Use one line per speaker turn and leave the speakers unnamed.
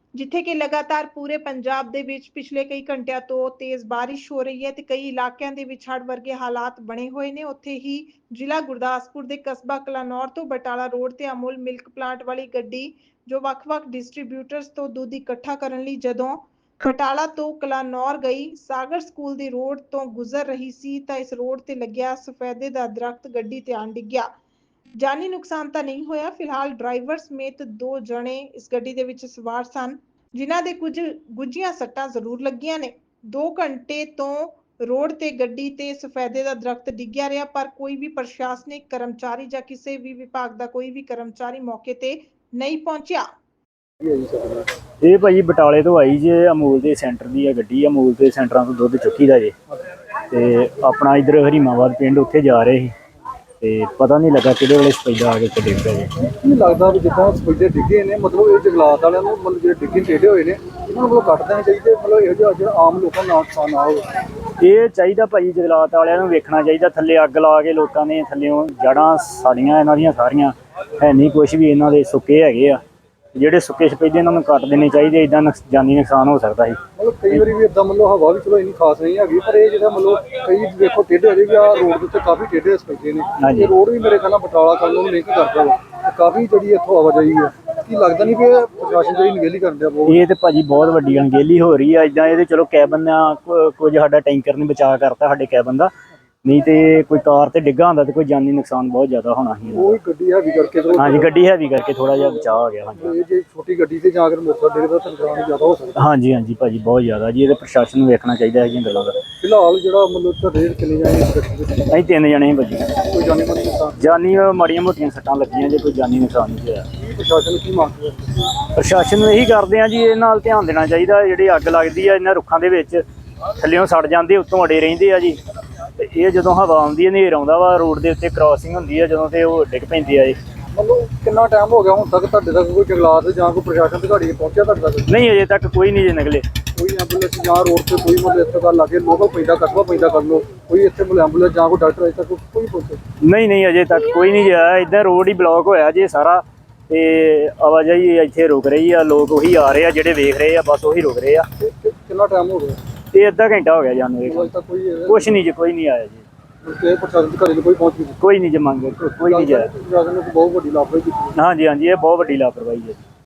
ਜਿੱਥੇ ਕਿ ਲਗਾਤਾਰ ਪੂਰੇ ਪੰਜਾਬ ਦੇ ਵਿੱਚ ਪਿਛਲੇ ਕਈ ਘੰਟਿਆਂ ਤੋਂ ਤੇਜ਼ ਬਾਰਿਸ਼ ਹੋ ਰਹੀ ਹੈ ਤੇ ਕਈ ਇਲਾਕਿਆਂ ਦੇ ਵਿੱਚ ਹੜ੍ਹ ਵਰਗੇ ਹਾਲਾਤ ਬਣੇ ਹੋਏ ਨੇ। ਉੱਥੇ ਹੀ ਜ਼ਿਲ੍ਹਾ ਗੁਰਦਾਸਪੁਰ ਦੇ ਕਸਬਾ ਕਲਾਨੌਰ ਤੋਂ ਬਟਾਲਾ ਰੋਡ ਤੇ ਅਮੁਲ ਮਿਲਕ ਪਲਾਂਟ ਵਾਲੀ ਗੱਡੀ ਜੋ ਵੱਖ-ਵੱਖ ਡਿਸਟ੍ਰੀਬਿਊਟਰਸ ਤੋਂ ਦੁੱਧ ਇਕੱਠਾ ਕਰਨ ਲਈ ਜਦੋਂ ਬਟਾਲਾ ਤੋਂ ਕਲਾਨੌਰ ਗਈ ਸਾਗਰ ਸਕੂਲ ਦੀ ਰੋਡ ਤੋਂ ਗੁਜ਼ਰ ਰਹੀ ਸੀ ਤਾਂ ਇਸ ਰੋਡ ਤੇ ਲੱਗਿਆ ਸਫੈਦੇ ਦਾ ਦਰਖਤ ਗੱਡੀ ਤੇ ਆਣ ਡਿੱਗਿਆ। ਜਾਨੀ ਨੁਕਸਾਨ ਤਾਂ ਨਹੀਂ ਹੋਇਆ। ਫਿਲਹਾਲ ਡਰਾਈਵਰ ਸਮੇਤ 2 ਜਣੇ ਇਸ ਗੱਡੀ ਦੇ ਵਿੱਚ ਸਵਾਰ ਸਨ ਜਿਨ੍ਹਾਂ ਦੇ ਕੁਝ ਗੁੱਝੀਆਂ ਸੱਟਾਂ ਜ਼ਰੂਰ ਲੱਗੀਆਂ ਨੇ। 2 ਘੰਟੇ ਤੋਂ ਰੋਡ ਤੇ ਗੱਡੀ ਤੇ ਸਫੈਦੇ ਦਾ ਦਰਖਤ ਡਿੱਗਿਆ ਰਿਹਾ ਪਰ ਕੋਈ ਵੀ ਪ੍ਰਸ਼ਾਸਨਿਕ ਕਰਮਚਾਰੀ ਜਾਂ ਕਿਸੇ ਵੀ ਵਿਭਾਗ ਦਾ ਕੋਈ ਵੀ ਕਰਮਚਾਰੀ ਮੌਕੇ ਤੇ ਨਹੀਂ ਪਹੁੰਚਿਆ।
ਇਹ ਭਾਜੀ ਬਟਾਲੇ ਤੋਂ ਆਈ ਜੇ ਅਮੂਲ ਦੇ ਸੈਂਟਰ ਦੀ ਆ ਗੱਡੀ। ਅਮੂਲ ਦੇ ਸੈਂਟਰਾਂ ਤੋਂ ਦੁੱਧ ਚੁੱਕੀ ਦਾ ਜੇ ਤੇ ਆਪਣਾ ਇਧਰ ਹਰੀਮਾਬਾਦ ਪਿੰਡ ਉੱਥੇ ਜਾ ਰਹੇ ਸੀ ਤੇ ਪਤਾ ਨਹੀਂ ਲੱਗਾ ਕਿਹੜੇ ਵੇਲੇ ਸਪੈਦਾ ਆ ਕੇ ਡਿੱਗ ਪਿਆ ਜੀ।
ਕੀ ਲੱਗਦਾ ਵੀ ਜਿੱਦਾਂ ਸਪੈਦੇ ਡਿੱਗੇ ਨੇ ਮਤਲਬ ਇਹ ਜੰਗਲਾਤ ਵਾਲਿਆਂ ਨੂੰ ਮਤਲਬ ਜਿਹੜੇ ਡਿੱਗੇ ਟੇਢੇ ਹੋਏ ਨੇ ਇਹਨਾਂ ਨੂੰ ਕੱਟ ਦੇਣੇ ਚਾਹੀਦੇ ਮਤਲਬ ਇਹੋ ਜਿਹਾ ਜਿਹੜਾ ਆਮ ਲੋਕਾਂ ਨੂੰ ਨੁਕਸਾਨ ਨਾ ਹੋਵੇ।
ਇਹ ਚਾਹੀਦਾ ਭਾਜੀ ਜੰਗਲਾਤ ਵਾਲਿਆਂ ਨੂੰ ਵੇਖਣਾ ਚਾਹੀਦਾ। ਥੱਲੇ ਅੱਗ ਲਾ ਕੇ ਲੋਕਾਂ ਨੇ ਥੱਲਿਓਂ ਜੜ੍ਹਾਂ ਸਾੜੀਆਂ ਇਹਨਾਂ ਦੀਆਂ ਸਾਰੀਆਂ ਹੈ ਨਹੀਂ ਕੁਛ ਵੀ ਇਹਨਾਂ ਦੇ ਸੁੱਕੇ ਹੈਗੇ ਆ। ਜਿਹੜੇ ਸੁੱਕੇ ਸਪੈਦੇ ਇਹਨਾਂ ਨੂੰ ਕੱਟ ਦੇਣੇ ਚਾਹੀਦੇ। ਇਦਾਂ ਜਾਨੀ ਨੁਕਸਾਨ ਹੋ ਸਕਦਾ ਸੀ।
ਮਤਲਬ ਕਈ ਵਾਰੀ ਵੀ ਇਦਾਂ ਮਤਲਬ ਹਵਾ ਵੀ ਚਲੋ ਇੰਨੀ ਖਾਸ ਨਹੀਂ ਹੈਗੀ ਪਰ ਇਹ ਜਿਹੜਾ ਮਤਲਬ ਕਈ ਦੇਖੋ ਟੇਢੇ ਹੋਏ ਵੀ ਆ ਰੋਡ ਦੇ ਉੱਤੇ ਕਾਫੀ ਟੇਢੇ ਸਪੈਦੇ ਨੇ। ਇਹ ਰੋਡ ਵੀ ਮੇਰੇ ਖਿਆਲ ਨਾਲ ਬਟਾਲਾ ਕੱਲ ਨੂੰ ਲਿੰਕ ਕਰਦਾ ਵਾ ਤੇ ਕਾਫੀ ਜਿਹੜੀ ਇੱਥੋਂ ਆਵਾਜਾਈ ਹੈ। ਕੀ ਲੱਗਦਾ ਨਹੀਂ ਵੀ ਇਹ ਪ੍ਰਸ਼ਾਸਨ ਜਿਹੜੀ ਨਿਗੇਲੀ ਕਰਨ ਡਿਆ ਬਹੁਤ?
ਇਹ ਤੇ ਭਾਜੀ ਬਹੁਤ ਵੱਡੀ ਅਣਗਹਿਲੀ ਹੋ ਰਹੀ ਆ। ਇਦਾਂ ਇਹਦੇ ਚਲੋ ਕੈਬਨ ਆ ਕੁਝ ਸਾਡਾ ਟੈਂਕਰ ਨੇ ਬਚਾਅ ਕਰਤਾ ਸਾਡੇ ਕੈਬਨ ਦਾ, ਨਹੀਂ ਤੇ ਕੋਈ ਕਾਰ ਤੇ ਡਿੱਗਾ ਹੁੰਦਾ ਤੇ ਕੋਈ ਜਾਨੀ ਨੁਕਸਾਨ ਬਹੁਤ ਜ਼ਿਆਦਾ ਹੋਣਾ ਸੀ।
ਉਹ ਗੱਡੀ ਹੈਵੀ ਕਰਕੇ
ਹਾਂਜੀ ਗੱਡੀ ਹੈਵੀ ਕਰਕੇ ਥੋੜਾ ਜਿਹਾ ਬਚਾਅ ਹੋ ਗਿਆ। ਹਾਂਜੀ
ਇਹ ਜੇ ਛੋਟੀ ਗੱਡੀ ਤੇ ਜਾਂ ਕੇ ਮੋਟਰਸਾਈਕਲ ਡਿੱਗਦਾ ਤਾਂ ਨੁਕਸਾਨ ਜ਼ਿਆਦਾ ਹੋ ਸਕਦਾ।
ਹਾਂਜੀ ਹਾਂਜੀ ਭਾਜੀ ਬਹੁਤ ਜ਼ਿਆਦਾ ਜੀ। ਇਹਦੇ ਪ੍ਰਸ਼ਾਸਨ ਨੂੰ ਵੇਖਣਾ ਚਾਹੀਦਾ ਹੈਗੀਆਂ ਗੱਲਾਂ ਦਾ।
ਫਿਲਹਾਲ ਜਿਹੜਾ ਮਤਲਬ ਤੁਹਾਡੇ ਕਿੰਨੇ ਜਾਣੇ ਇਸ ਗੱਡੀ ਵਿੱਚ?
ਅਸੀਂ 3 ਜਣੇ ਭਾਜੀ।
ਕੋਈ ਜਾਨੀ ਮਾਨੀ ਨੁਕਸਾਨ?
ਜਾਨੀ ਮਾੜੀਆਂ ਮੋਟੀਆਂ ਸੱਟਾਂ ਲੱਗੀਆਂ ਜੇ, ਕੋਈ ਜਾਨੀ ਨੁਕਸਾਨ ਨਹੀਂ ਹੋਇਆ।
ਪ੍ਰਸ਼ਾਸਨ ਕੀ ਮੰਗ ਰਿਹਾ?
ਪ੍ਰਸ਼ਾਸਨ ਨੂੰ ਇਹੀ ਕਰਦੇ ਆ ਜੀ ਇਹ ਨਾਲ ਧਿਆਨ ਦੇਣਾ ਚਾਹੀਦਾ। ਜਿਹੜੀ ਅੱਗ ਲੱਗਦੀ ਆ ਇਹਨਾਂ ਰੁੱਖਾਂ ਦੇ ਵਿੱਚ ਥੱਲਿਓਂ ਸੜ ਜਾਂਦੇ ਉੱਤੋਂ ਅੜੇ ਰਹਿੰਦੇ ਆ ਜੀ। ਤੇ ਇਹ ਜਦੋਂ ਹਵਾ ਆਉਂਦੀ ਹੈ ਹਨੇਰ ਆਉਂਦਾ ਵਾ ਰੋਡ ਦੇ ਉੱਤੇ ਕ੍ਰਾਸਿੰਗ ਹੁੰਦੀ ਆ ਜਦੋਂ ਤੇ ਉਹ ਡਿੱਗ ਪੈਂਦੇ ਆ ਜੀ।
ਮਤਲਬ ਕਿੰਨਾ ਟਾਈਮ ਹੋ ਗਿਆ ਹੁਣ ਤੱਕ ਤੁਹਾਡੇ ਤੱਕ ਕੋਈ ਜੰਗਲਾਤ ਜਾਂ ਕੋਈ ਪ੍ਰਸ਼ਾਸਨ ਅਧਿਕਾਰੀ ਪਹੁੰਚਿਆ ਤੁਹਾਡੇ ਤੱਕ?
ਨਹੀਂ ਅਜੇ ਤੱਕ ਕੋਈ ਨਹੀਂ ਜੇ ਨਿਕਲੇ।
ਕੋਈ ਐਂਬੂਲੈਂਸ ਜਾਂ ਰੋਡ ਤੇ ਕੋਈ ਮਤਲਬ ਇੱਥੇ ਦਾ ਲਾਗੇ ਲੋਕਲ ਪੈਂਦਾ ਕਸਬਾ ਪੈਂਦਾ ਕਰ ਲਓ ਕੋਈ ਇੱਥੇ ਮਤਲਬ ਐਂਬੂਲੈਂਸ ਜਾਂ ਕੋਈ ਡਾਕਟਰ ਅਜੇ ਤੱਕ ਕੋਈ ਪਹੁੰਚੇ?
ਨਹੀਂ ਅਜੇ ਤੱਕ ਕੋਈ ਨਹੀਂ ਆਇਆ। ਇੱਦਾਂ ਰੋਡ ਹੀ ਬਲੌਕ ਹੋਇਆ ਜੀ ਸਾਰਾ ਤੇ ਆਵਾਜਾਈ ਇੱਥੇ ਰੁਕ ਰਹੀ ਆ। ਲੋਕ ਉਹੀ ਆ ਰਹੇ ਆ ਜਿਹੜੇ ਵੇਖ ਰਹੇ ਆ, ਬਸ ਉਹੀ ਰੁਕ ਰਹੇ ਆ।
ਕਿੰਨਾ ਟਾਈਮ ਹੋ ਗਿਆ?
ਇਹ ਅੱਧਾ ਘੰਟਾ ਹੋ ਗਿਆ ਜਾਨੂੰ।
ਅਜੇ ਤੱਕ
ਕੁਛ ਨਹੀਂ ਜੀ, ਕੋਈ ਨਹੀਂ ਆਇਆ ਜੀ।
ਪ੍ਰਸ਼ਾਸਨ ਅਧਿਕਾਰੀ ਨੂੰ ਕੋਈ ਪਹੁੰਚ ਨਹੀਂ?
ਕੋਈ ਨਹੀਂ ਜੀ ਮੰਗ ਕੋਈ ਨਹੀਂ ਜਾਇਆ।
ਪ੍ਰਸ਼ਾਸਨ ਨੇ ਬਹੁਤ ਵੱਡੀ ਲਾਪਰਵਾਹੀ ਕੀਤੀ।
ਹਾਂਜੀ ਇਹ ਬਹੁਤ ਵੱਡੀ ਲਾਪਰਵਾਹੀ ਹੈ।